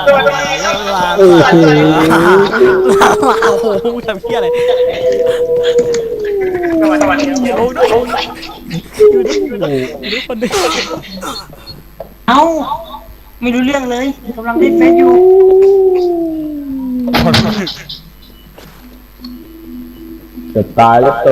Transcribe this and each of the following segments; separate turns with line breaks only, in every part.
โอ้โหทำเพี้ยอะไรโอ้ด้วยอยู่ด้วยคนนึง
เอ้าไม่รู้เรื่องเลยกำลังเล่นเฟซอยู่
จะตายแล้วตู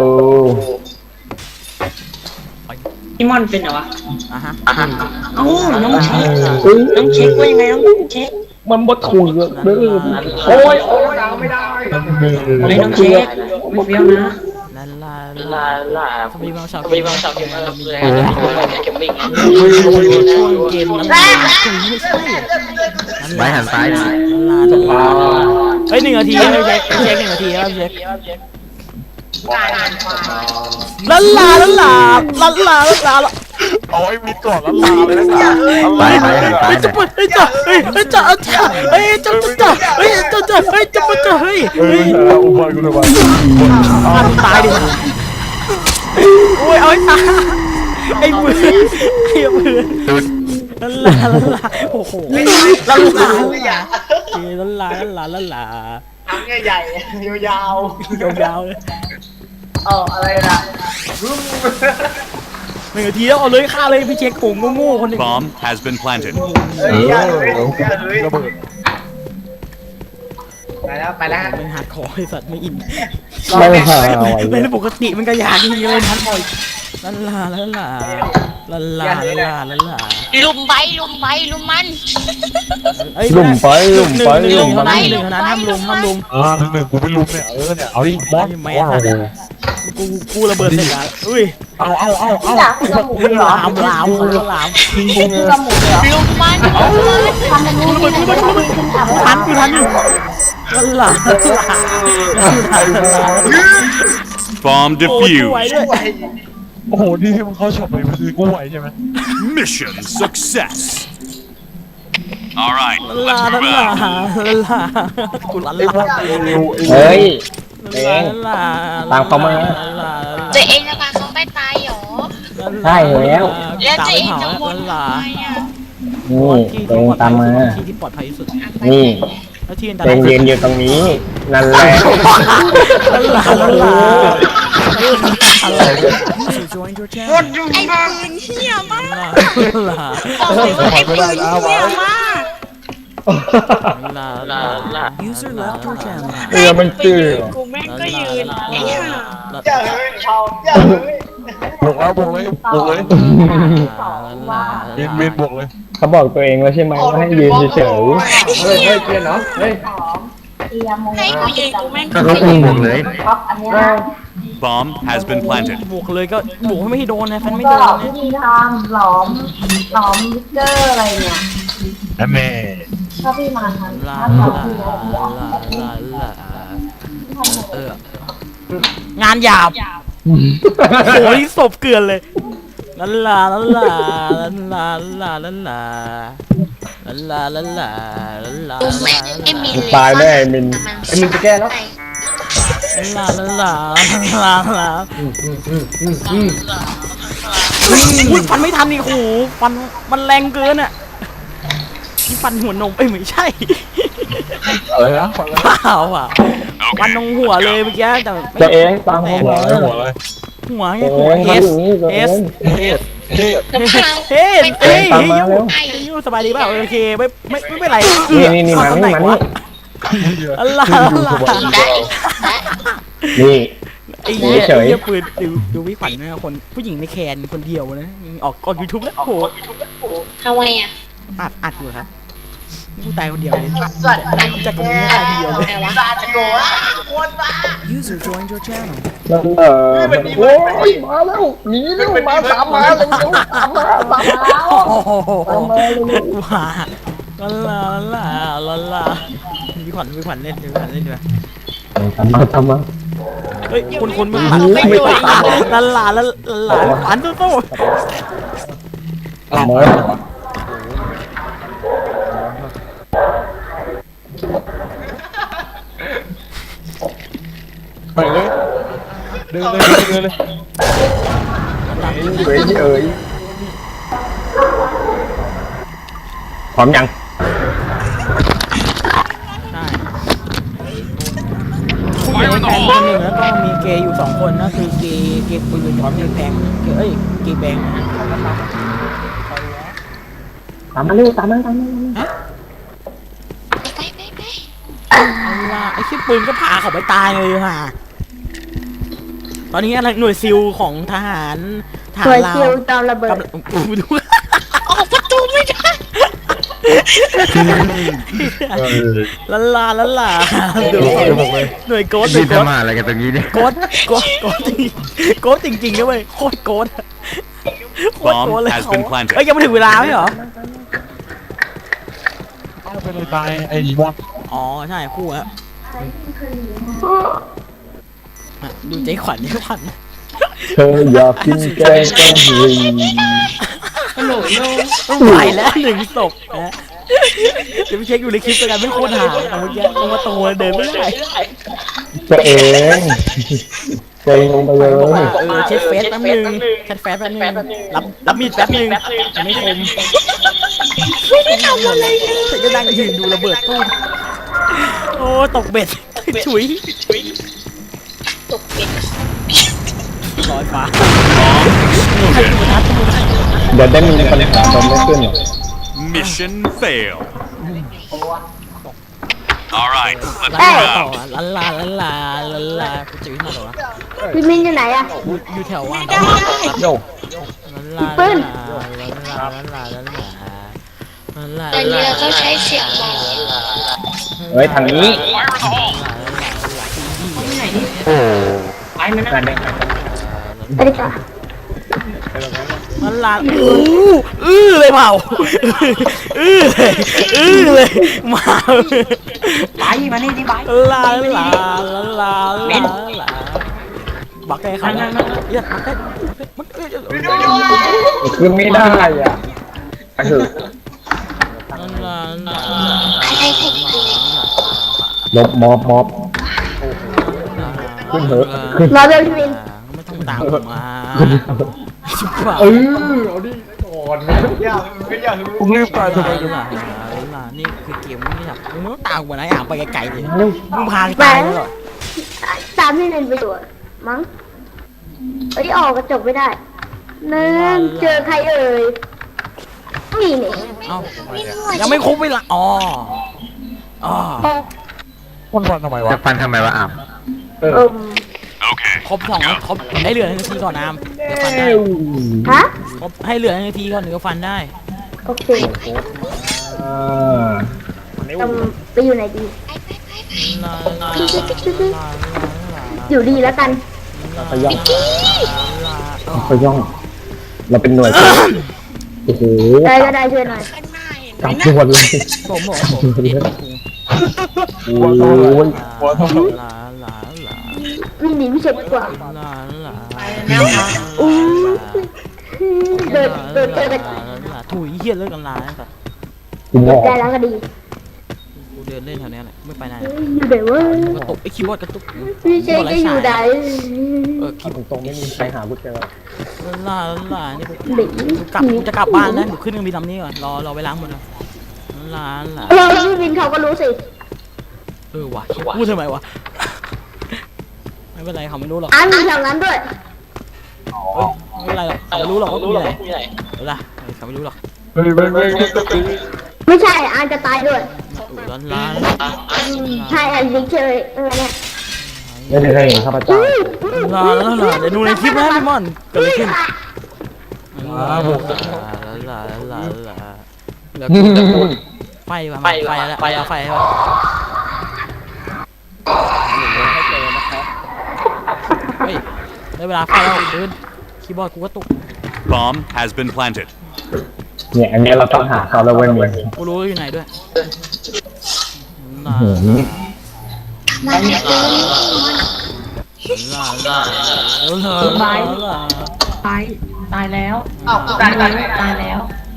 พี่มอนเป็นเหรอวะ
อ่ะฮะ
เอ้าน้องเช็คน้องเช็คว่ายังไงน้องเช็ค
มันบดถูกเลยโอ้ยไม่ได้
ไอ้น้องเช็คไม่เบี้ยวนะ
ลาทำไมบางฉาก
มีบางฉากที่มันมีอะไรเกมมิ่ง
ช่วงเกมนั้นไม่ใช่
ไม่หันซ้ายนะ
ลาเฮ้ย1 นาทีไม่เช็ค1 นาทีครับเช็คลา
โอ้ยมีก่อนแล้วลาเลยนะ
ไปหันซ้าย
จะปวดจะ
อุบายกูเลยว่า
ตายดิโอ้ยเอาตายไอ้ปืนลาโอ้โหลา
ทำใหญ่ๆยาว
เลย
ๆอะไรนะ
1 นาทีแล้วเอาเลยฆ่าเลยพี่เช็คผมโง่คนนึง
Bomb has been planted.
ระเบิด
ไปแล้ว
เป็นฮาร์ดคอร์ไอ้สัตว์ไม่อิน
ไม่หา
เล่นปกติมันก็อยากจริงๆเลยฮาร์ดคอร์ลา
ลุมไปลุมมัน
ลุ่มไป
หนึ่งเท่านั้นห้ามลุม
หนึ่งกูไม่รู้เนี่ยเนี่ยเอาดิบอส
ไม่ทันกูระเบิดเสร็จแล้วอุ้ย
เอา
ลาม
ลุมมัน
ทันอยู่ลา
Bomb
ไหว
defused.
ด้วย
โอ้โหที่มันเข้าช็อปเลยคือกูไหวใช่ไหม
Mission success. All right,
ลา
let's move out.
กูลา
เฮ้ย
จะเองจะพาเขาไปตายหรอ
ใช่แล้ว
แล้วจะเองจะวนทำไมอ่ะ
นี่ตัวเองตามมา
ที่ปลอดภัยที่สุด
นี่
แล้วที่อันต
เต็
ราย
งยืนอยู่ตรงนี้ นั่นแหละ
ลา
ไอ้ปืนเหี้ยมากบอกเลยว่าไอ้ปืนเหี้ยมาก
User left your channel
เรือมันจืด
กูแม่งก็ยืนไอ้ห่า
บวกเลยเมนบวกเลย
เขาบอกตัวเองแล้วใช่ไหมว่าให้ยืนเฉย
ให้กูยืนกูแม่งก็
ๆ
ยืน
บวกเลย
Bomb has been planted.
บวกเลยก็บวกไม่ให้โดนนะแฟนไม่โดน
วิธีทำหลอมวิกเกอร์อะไรเนี่ย
แม่
ถ้าพี่มาทัน
ลา
ถ้าหลอมพี่แล้วพี่
งานหยาบโอ้ยศพเกลือนเลยลา
กูแม่งไอ้มิน
ตายแน่มิน
มินจะแก้แล้ว
อุ้ยฟันไม่ทันนี่โอ้โหฟันมันแรงเกินอ่ะนี่ฟันหัวนมไม่ใช่
อะไรนะ
เปล่าอ่ะฟันตรงหัวเลยเมื่อกี้แต่
ตัวเองตามเขาหัว
หัวเลย
หัวไง
ตัว
หัว
เอง
เอ
ทำอ
ส
ย่างนี้ตัว
เอ
เอ
ส
ง
ยูสบายดีเปล่าโอเคไม่เป็นไร
นี่มานี่
อะไร
นี่
ไอ้เหี้ยปืนดูวิขวัญนะคนผู้หญิงในแคนคนเดียวนะออกยูทูบแล้วโห
ทำไมอ่ะ
อัดอยู่ครับกูตายคนเดียวเลยจากตรงนี้ตายคนเดียวเลย User joined your channel
นั่นโอ้ยมาแล้วหนีเร็วมาตามมาเร็วตามมา
โอ้โหว้าลาวิขวัญเล่นดีกว่า
ทำมา
เฮ้ยคุณไม่ตามลาขวัญโต้
เอามา
ไปเลยเดินเลยเดินเลย
เฮ้ยเอ้ยพร้อมยัง
ใช่ผู้หญิงในแพงคนหนึ่งแล้วก็มีเกย์อยู่2 คนนะคือเกย์ปืนกับเกย์แพงเกย์แบงค์นะ
ตามมาเร็วตามมา
เอาล่ะไอ้ที่ปืนก็พาเขาไปตายเลยค่ะตอนนี้อะไรหน่วยซิลของทหาร
หน่วย
ลา
ซิ
ว
ลจอมระเบิด
กำลังดู
ออกประตูไม่ได้
ละลาดูหน่วยโกด
ยืนทำอะไรกันตรงนี้เนี่ย
โกดจริงๆนะเว้ยโคตรโกดโคตรโกด
Bomb
เลย
has
เขา
been planted.
เอ้ยยังไม่ถึงเวลาไหมเหรอ
เอาไปเลยตายไอ้บอล
อ๋อใช่คู่อะดูใจขวัญ
เธออยากกินแกงกะหรี่
ต้องไหวแล้ว1 ศพนะเดี๋ยวไปเช็คอยู่ในคลิปกันไม่โคตรหาแต่เมื่อกี้ตรงประตูเดินไม่ได้
ตัวเองตัวเองลงไปเลย
เช็คเฟซแป๊บนึงแชทแฟซแป๊บนึงรับมีดแป๊บนึงยังไม่คม
ไม่ได้ทำอะไรเลย
ฉันก็นั่งยืนดูระเบิดตู้มโอ้ตกเบ็ดฉุย
ตกเป็น
ลอยฟ้า
เดี๋ยวได้มีปัญหาโดนไม่ขึ้นหรอ
Mission fail. All right, let's
ต่อ
move out.
ลากูจะวิ่งมาต่อวะ
พี่มินอยู่ไหนอะ
อยู่แถวว่าง
โย
ปืน
ตอนนี้เราต้องใช้เสียงบอก
เฮ้ยทางนี้
ไปมันนะ
ไปดีกว่า
ลาเลยเปล่าเลยมา
ไปมานี่ดิไป
ลาบักแกเขาเนี่ยอย่าบักแกมัน
คือไม่ได้อ่ะคือ
อะไรผม
ลบมอบขึ้นเถอะ
รอเบลพี่มิน
ไม่ต้องตามผมมาชิบหาย
เอาดิก่อน
ผมรีบตายทำไม
นี่คือเกมไม่อยากมึงไม่ต้องตามกูนะอยากไปไกลๆเลยมึงพาตายเลย
ตามพี่มินไปอยู่อะมั้งเอ้ยออกกระจกไม่ได้นั่นเจอใครเอ่ยนี่นี่
เอ้ายังไม่ครบเวลาอ๋อ
คนฟันทำไมวะ
จะฟันทำไมวะอ่ะ
Okay,
ครบ2ครบให้เหลือ1 นาทีก่อนน้ำเดี๋ยวฟันได้
ฮะ
ครบให้เหลือ1 นาทีก่อนถึงจะฟันได้
โอเคไปอยู่ไหนดี อยู่ดีแล้วกัน
พย่องพย่องเราเป็นหน่วยโอ้โห
ได้ก็ได้ช่วยหน่อย
ข้างหน้าเห็น
กลับด่วนเลย
ผมบอกผม
โอ้ย
วิ่งหนีไม่เฉยดีกว่า
แล้วค่ะ
อู้เดินเจอกัน
ถุยเหี้ยเลิกกันลาสัตว์
กูบอก
ได้แล้วก็ดี
กูเดินเล่นแถวนี้แหละไม่ไปไหน
อยู่ไหนวะ
กระตุกไอ้คีย์บอร์ดกระตุก
พี่เชคก็อยู่ไหน
คีย์บอร์ด
ตรงไม่มีใครหากูเจอ
นี่กู
หนี
กูจะกลับบ้านนะเดี๋ยวขึ้นเครื่องบินลำนี้ก่อนรอไปล้างมือลา
พี่วินเขาก็รู้สิ
ว่ะพูดทำไมวะไม่เป็นไรเขาไม่รู้หรอก
มีแถวนั้นด้วย
ไม่เป็นไรหรอกเขาไม่รู้หรอกว่ากูอยู่ไหนเวลาเขาไม่รู้หรอก
เฮ้ย
ไม่ใช่อันจะตายด้วย
ลา
ใช่อันนี้เชยเนี่ย
ไม่ได้เคยเห็นข้าพเจ้า
เดี๋ยวดูในคลิปนะพี่มอนเกิดอะไรขึ้นไฟว่ะไฟแล้วไฟว่ะเฮ้ยได้เวลาไฟแล้วปืนคีย์บอร์ดกูก็ตุก
bomb has been planted.
เนี่ยอันนี้เราต้องหาเขาแล้วเว้ยมึง
กูรู้อยู่ไหนด้วย
ตายแล้ว
อ้าวตาย
ตายแล้ว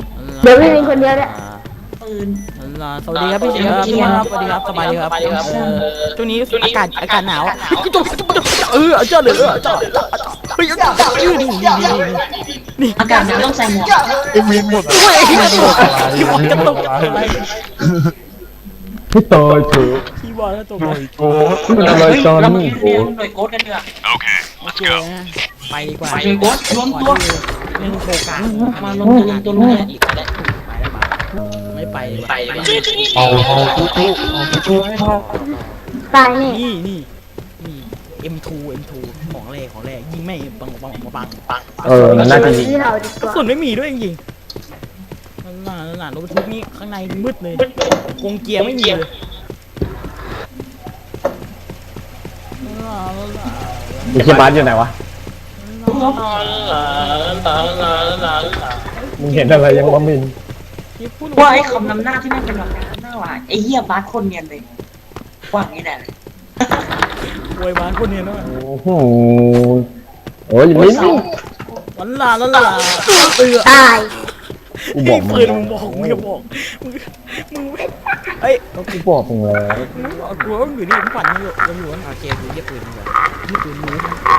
เดี๋ยวพี่เป็นคนเดียวแหละ
ปืน
สวัสดีครับพี่เชียร์พี่ครับสวัสดีครับสบายดีครับช่วงนี้อากาศหนาวเจ้าเลยเจ้าเฮ้ยนี่
อากาศหนาวต้องใส่หมวก
ไอ้วินหมด
โอ้ยขี้บอลกระตุกอะไร
พี่เตยเถอะ
ขี้บอลกระตุก
หน่วยโก
มันอะไร
เฮ้ย
กัน
เรามาเรียนหน่วยโค้ดกันดีกว่า
Okay,
โอ
let's
เค
go.
ไปดีกว่า
หน่วยโค้ดรวมตัว
เล่นโฟกัส
มารวมตัวเนี่ย
ไม่ไป
เอาตู้ให้พ่อ
ตายนี่
นี่ M2 ของแรกยิงไม่ปัง
มันน่าจะมี
ที่เราดีก
กระ
ว่า
สุนไม่มีด้วยจริงๆนั่นรถบรรทุกนี่ข้างในมืดเลยกงเกียร์ไม่มีเลย
มีเชียร์บาสอยู่ไหนวะมึงเห็นอะไรยังวะมิน
ว่าไอ้คำนำหน้าที่แม่งเป็นแบบหน้าว่ะไอ้เหี้ยบาสคนเนียนเลยว่าอย่างนี้แหละ
โวยบ้านคนนี้นะ
โอ้โหโอ้ยมิน
วันลาเตือ
ตาย
กูบอกมึ
ปื
ง
นมึงบอกมึงอย่าบอกมึงเอ้ย
ก็กูบอกมึงแล้ว
กูว่าอยู่นี่ผมฝันยังอยู่โอเคกูเย็บปืนแบบนี่ปืนมู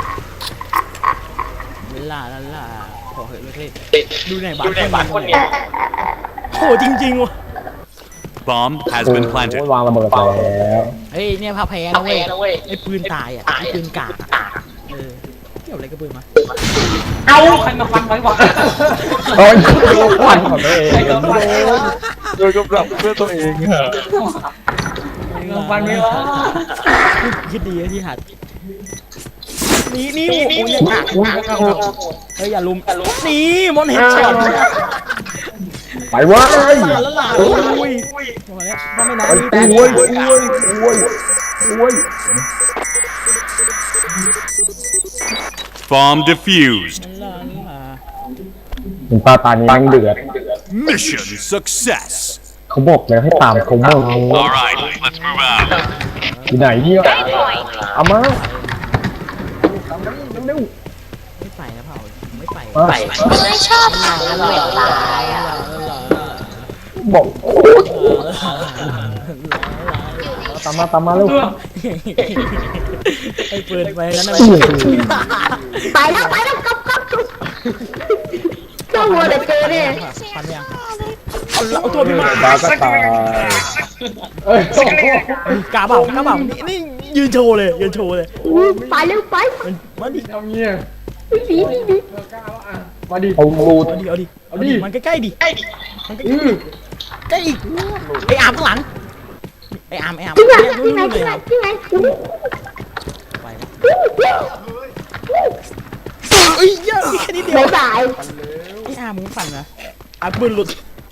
ลาขอเหอะเลยดูในบ้านคนนี้โหจริงๆว่ะ
Bomb has been
โอ้
planted.
ยวางระเบิดแล้ว
เฮ้ยเนี่ยพาแพ้นะเว้ยไอ้ปืนตายอ่ะไอ้ปืนกากเกี่ยวอะไรกับปืนมา
เอาใครมาฟันไว้วะ
โอ้ยควันของตัวเอง
ใครมาฟันไว้วะ
โดยกำลังเพื่อตัวเองอะ
ใครมาฟันไว้วะ
คิดดีที่หัดนี่โอ้ยกากเฮ้ยอย่าลุมนี่มอนเฮดช็อต
ไปวะเอ้ย
แล้วล่ะโอ้ยมาแล้วไม่นาน
โอ้ยโอ้ย
Bomb defused.
มึงตาตานี้แม่งเดือด
Mission success.
เขาบอกแล้วให้ตามเขาเมื่อ
All right, let's move out.
อยู่ไหนเนี่ยเอามาเร็ว
ไม่ไปนะเผาไม่ไป
ๆมา
ไม่ชอบทำแล้วตายอ่ะ
บอกโอ้ยตามมาเร็ว
ไอ้ปืนไปนั้นนะ
ไปแล้วกับเจ้าวัวแต่เจอเนี่ย
ฟันยังเอาตัวพี่มา
บาก็ตายเอ้ย
กาเปล่นี่ยืนโชว์เลย
ไปเร็วไป
มาดิ
เอาเงี้ย
ดี
มาดิเอาลูด
เอาดิมันใกล้ๆดิมันใกล้อีกไอ้อาร์มข้างหลังไอ้อาร์ม
ที่ไหน
ไปเอ้ยเยอะแค่นี้เดียว
บาย
ไอ้อาร์มมึงฝันนะอาร์มปืนหลุด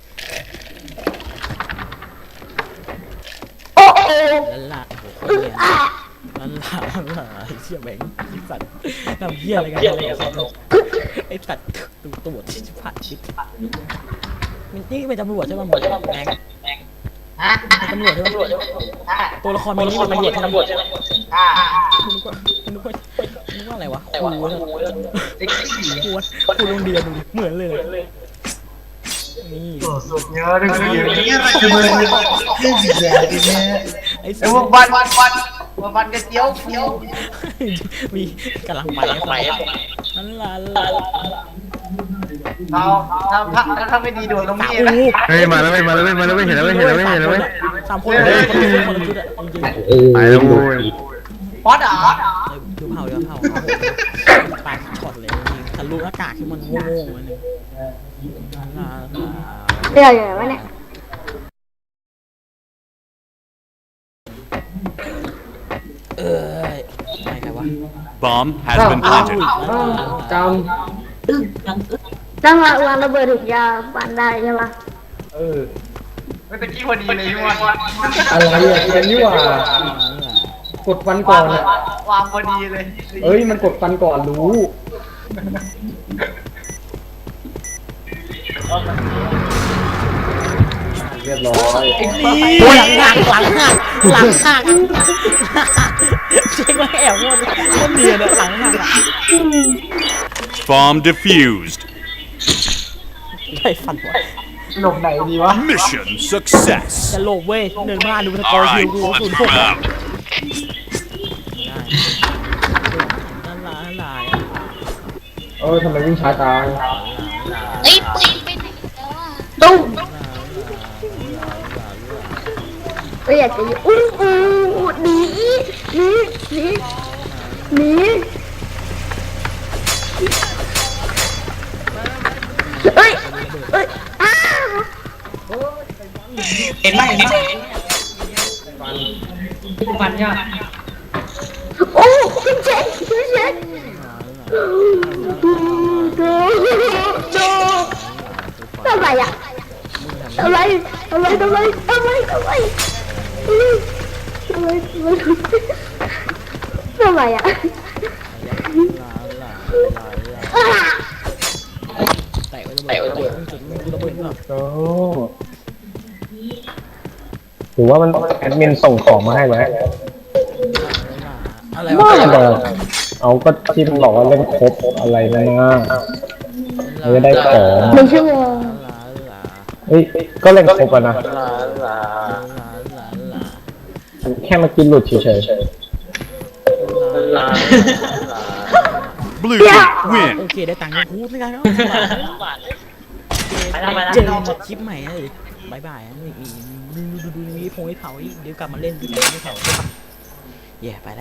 โอ้โห
ละโอ้โหละเชี่ยแบงค์สัตว์ทำเหี้ยอะไรกันไอ้สัตว์ตัวที่ผ่านชิดนี่เป็นตำรวจใช่ไหมแบงค์ตำรวจใช่ไหมตัวละครมันนี่เป็นตำรวจใช่ไหมนึกว่าอะไรวะครูโรงเรียนเหมือนเลยนี่
เยอะเลย
ไอ้
ไอ้พวกวันกันเกี้ยว
มีกำลังไปนั่นล่ะ
ถ้าไม่ดีโดนตรงนี้นะ
เฮ้ยมาแล้วไม่เห็นแล้วไม่เห็นแล้ว
3 คนคนละชุดอะจริง
ไปแล้วโว้ย
ป๊อตเหรอ
ๆดูเผาปากช็อตเลยทะลุหน้ากากที่มันโง่ๆเลย
เดี๋ยวอย่างไรเนี่ย
ไม่ใครวะ
Bomb has been planted.
ต้องวางระเบิดถุงยาฟันได้ใช่ปะ
ไม่เป็นที่พอดีเลยพี่วัน
อะไรอ่ะเกมนี่หว่ากดฟันก่อนอ่ะ
วางพอดีเลย
เอ้ยมันกดฟันก่อนรู้เรียบร้อย
หลังหักเช็คว่าแอบงดเดียนหลังหัก
Bomb defused.
ใช่ฟันวะ
หลบไหนดีวะ
Mission success.
จะหลบเว้ยเดินมาดูสกอ
All
ร์คิว
right,
กู
let's
ศูนย์
move
หก
out.
ลันลาลันลา
ทำไมวิ่งช้าจัง
เอ้ยปืนไปไหนแล้วอ่ะ
ตุ้มเอ้ยอยากจะยิงอู้หนีหนีหนีหนีเอ้ยเอ้ยอ้า
เห็นไหมฟันยาก
โอ้คุณเจ๊คุณเจ๊ทำไมอ่ะทำไมทำไมทำไมทำไมทำไมทำไมทำไมอ่ะ
แตะไว้ระเบิดจุดระเบิดแบบ
โอ้หรือว่ามันแอดมินส่งของมาให้ไหม
อะไร
ว่าว
ะ
เลยเอาก็ที่มันบอกว่าเล่นครบอะไรนะไม่ได้ของ
หนึ่งชั่วโมง
เฮ้ยก็เล่นครบอะนะแค่มากินหลุดเฉย
Blue team win.
โอเคได้ตังค์กูไม่ได้แล้ว
ไปแล้วไปแล้ว
เจอคลิปใหม่เลยบายบายดูมีพงให้เผาเดี๋ยวกลับมาเล่นด้วยกันไม่เผาใช่ปะเย่ไปแล้ว